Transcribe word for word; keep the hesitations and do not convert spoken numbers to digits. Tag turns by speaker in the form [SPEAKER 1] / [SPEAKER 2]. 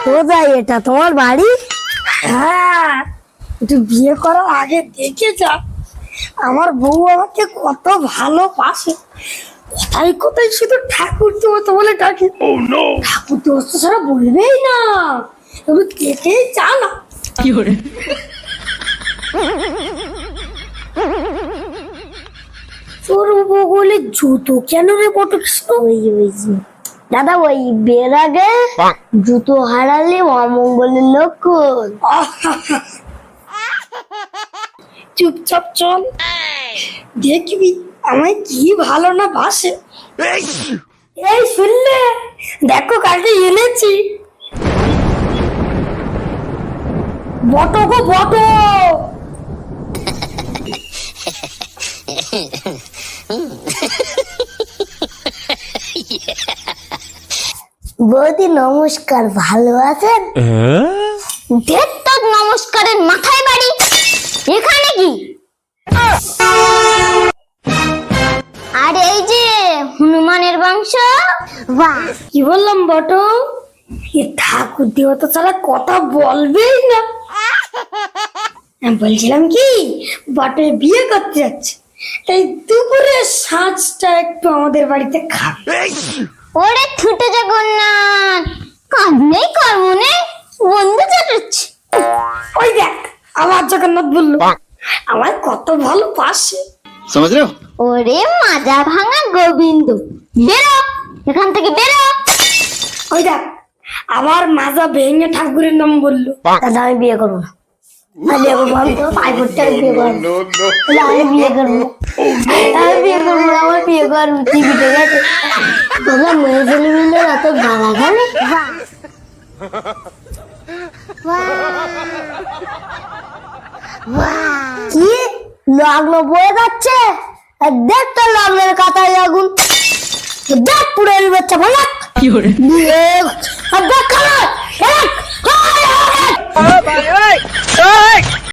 [SPEAKER 1] কোথায় এটা তোমার বাড়ি? হ্যাঁ, একটু বিয়ে করার আগে দেখে যা আমার বউ আমাকে কত ভালোবাসে। কোথায় কোথায় শুধু ঠাকুর দেবতা বলে ডাকে। ঠাকুর দেবতা ছাড়া বলবেই না, তুমি দেখেই যা না।
[SPEAKER 2] কি করে
[SPEAKER 1] তোর বগলে জুতো কেন রে বটকৃষ্ণ? ওই ওই দাদা, ওই বের আগে জুতো হারালে অমঙ্গলের লক্ষণ। চুপচাপ চল, দেখবি আমায় কি ভালো না বাসে। এই শুনলে, দেখো কালকে এনেছি বটো গো বটো। বৌদি নমস্কার, ভালো আছেন? দেখ তোর নমস্কারের মাথায় বাড়ি। এখানে কি? আর এই যে হনুমানের বংশ। বাহ, কি বললাম বটো? এ ঠাকুর দেবতা ছাড়া কথা বলবেই না। আমি বলছিলাম কি, বটে বিয়ে করতে যাচ্ছে, তাই দুপুরে সাজটা একটু আমাদের বাড়িতে খাবে। ওরে ছুটে জগন্নাথ, কাজ নেই কর্ম নেই, বন্ধু চাটাচ্ছে। ওই দেখ আবার জগন্নাথ বললো, আমার কত ভালো পাশে।
[SPEAKER 3] समझ रहे हो?
[SPEAKER 1] ওরে মাজা ভাঙা গোবিন্দ, বেরো এখান থেকে বেরো। ওই দেখ আবার মাজা ভেঙে ঠাকুরের নাম বললো। দাদা আমি বিয়ে করবো না, আমি বিয়ে করবো, আমি তো পাই করতে আমি বিয়ে করবো, আমি বিয়ে করবো, আমি বিয়ে করবো, আমার বিয়ে করবো। টিভিতে গেছে তোমরা মেয়ে ছেলে মিলে এত গালা গালে। কি লগ্ন বয়ে যাচ্ছে? দেখ তো লগ্নের কাতায় আগুন, দেখ পুরো বাচ্চা ভালো।
[SPEAKER 2] কি করে
[SPEAKER 1] দেখ